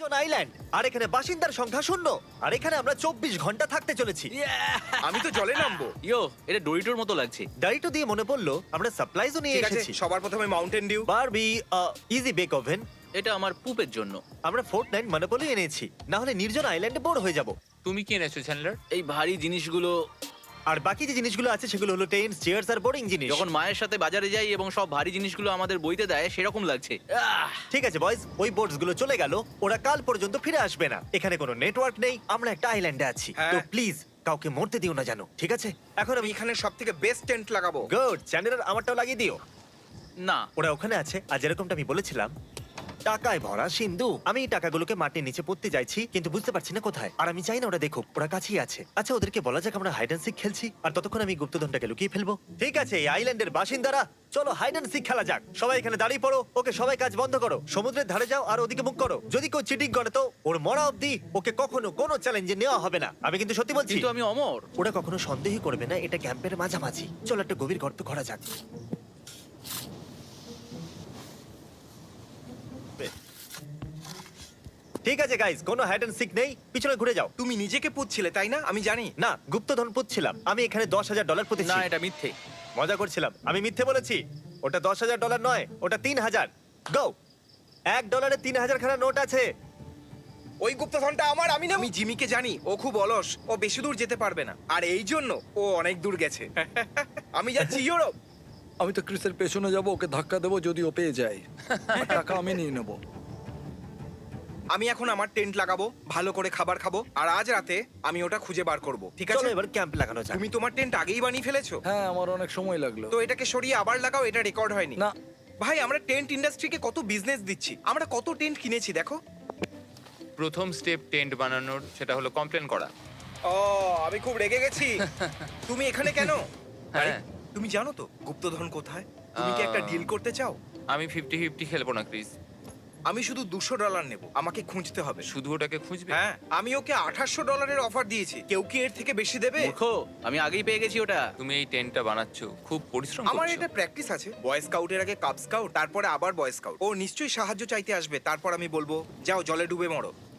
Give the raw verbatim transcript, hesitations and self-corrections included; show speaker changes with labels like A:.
A: নির্জন আইল্যান্ড, আর এখানে বাসিন্দার সংখ্যা শূন্য, আর এখানে আমরা চব্বিশ ঘন্টা থাকতে চলেছি।
B: আমি তো জলে নামবো।
C: ইয়ো, এটা ডোরিটোর মতো লাগছে।
A: ডাইটো দিয়ে মনে পড়লো আমরা সাপ্লাইজও নিয়ে
B: ঠিক আছে,
A: এসেছি।
B: সবার প্রথমে Mountain Dew.
A: Barbie Easy Bake Oven.
C: এটা আমার পুপের জন্য।
A: আমরা ফোর্ট নাইন মনোপলি এনেছি, না হলে নির্জন আইল্যান্ডে বোর হয়ে যাব।
D: তুমি কি এনেছো চ্যান্ডলার?
C: এই ভারী জিনিসগুলো।
A: আর বাকি যে জিনিসগুলো আছে সেগুলো হলো টেন্টস, চেয়ার্স আর বোরিং জিনিস।
C: যখন মায়ের সাথে বাজারে যাই এবং সব ভারী জিনিসগুলো আমাদের বইতে দেয় সেরকম লাগছে। আহ!
A: ঠিক আছে বয়স, ওই বোটস গুলো চলে গেল, ওরা কাল পর্যন্ত ফিরে আসবে না। এখানে কোনো নেটওয়ার্ক নেই, আমরা একটা আইল্যান্ডে আছি।
B: হ্যাঁ।
A: তো প্লিজ কাউকে মরতে দিও না, জানো, ঠিক আছে? এখন
B: আমি
A: আমি
B: এখানে সব থেকে বেস্ট টেন্ট লাগাবো।
A: গুড, চ্যানেলের আমারটাও লাগিয়ে দিও।
C: না,
A: ওরা ওখানে আছে, আর যেরকমটা আমি বলেছিলাম টাকায় ভরা সিন্ধু। আমি এই টাকাগুলোকে মাটির নিচে পুঁততে যাইছি, কিন্তু বুঝতে পারছি না কোথায়। আর আমি চাই না ওরা দেখুক, ওরা কাছেই আছে। আচ্ছা, ওদেরকে বলা যাক আমরা হাইড অ্যান্ড সিক খেলছি, আর ততক্ষণ আমি গুপ্তধনটাকে লুকিয়ে ফেলবো। ঠিক আছে, এই আইল্যান্ডের বাসিন্দারা, চলো হাইড অ্যান্ড সিক খেলা যাক। সবাই এখানে দাঁড়িয়ে পড়ো। ওকে, সবাই কাজ বন্ধ করো, সমুদ্রের ধারে যাও আর ওদিকে মুখ করো। যদি কেউ চিটিং করে তো ওর মরা অবধি ওকে কখনো কোনো চ্যালেঞ্জে নেওয়া হবে না। আমি কিন্তু সত্যি বলছি।
C: কিন্তু আমি অমর।
A: ওরা কখনো সন্দেহই করবে না এটা ক্যাম্পের মাঝামাঝি। চলো একটা গভীর গর্ত করা যাক। ঠিক আছে গাইস, কোনো হাইড অ্যান্ড সিক নেই, পিছনে ঘুরে যাও।
B: তুমি নিজেকে পুচ্ছিলে তাই না? আমি জানি।
A: না, গুপ্তধন পুচ্ছিলাম। আমি এখানে দশ হাজার ডলার পুঁতেছি।
C: না, এটা মিথ্যে।
A: মজা করছিলাম, আমি মিথ্যে বলেছি। ওটা দশ হাজার ডলার নয়, ওটা তিন হাজার। গো, এক ডলারে তিন হাজার খানা নোট আছে।
B: ওই গুপ্তধনটা আমার, আমি না। আমি জিমিকে জানি, ও খুব অলস, ও বেশি দূর যেতে পারবে না, আর এই জন্য ও অনেক দূর গেছে। আমি যাচ্ছি ইউরোপ।
E: আমি তো ক্রিসের পেছনে যাব, ওকে ধাক্কা দেবো যদি ও পেয়ে যায়। আর টাকা আমি নিয়ে নেবো।
B: আমি এখন আমার টেন্ট লাগাবো, ভালো করে খাবার খাবো, আর আজ রাতে আমি ওটা খুঁজে বার করব। ঠিক আছে?
A: চলো এবার ক্যাম্প লাগানো যাক।
B: তুমি তোমার টেন্ট আগেই বানিয়ে ফেলেছো?
E: হ্যাঁ, আমার অনেক সময় লাগলো।
B: তো এটাকে সরিয়ে আবার লাগাও, এটা রেকর্ড হয়নি।
E: না।
B: ভাই, আমরা টেন্ট ইন্ডাস্ট্রিকে কত বিজনেস দিচ্ছি, আমরা কত টেন্ট কিনেছি দেখো।
D: প্রথম স্টেপ টেন্ট বানানোর সেটা হলো কমপ্লেন করা।
B: ও, আমি খুব রেগে গেছি। তুমি এখানে কেন?
D: হ্যাঁ।
B: আরে, তুমি জানো তো গুপ্তধন কোথায়? তুমি কি একটা
D: আহ।
B: ডিল করতে চাও?
D: আমি ফিফটি ফিফটি খেলবো না ক্রিস।
B: আমি শুধু দুশো ডলার নেব, আমাকে খুঁজতে হবে।
D: শুধু ওটাকে খুঁজবে?
B: হ্যাঁ, আমি ওকে আঠাশশো ডলারের অফার দিয়েছি। কেউ কি এর থেকে বেশি দেবে?
C: মূর্খ, আমি আগেই পেয়ে গেছি ওটা।
D: তুমি এই টেন্টটা বানাচ্ছো, খুব পরিশ্রম
B: আমার
D: করছো।
B: এটা প্র্যাকটিস আছে। বয় স্কাউটের আগে কাপ স্কাউট, তারপরে আবার বয় স্কাউট। ও নিশ্চয়ই সাহায্য চাইতে আসবে, তারপর আমি বলবো যাও জলে ডুবে মরো।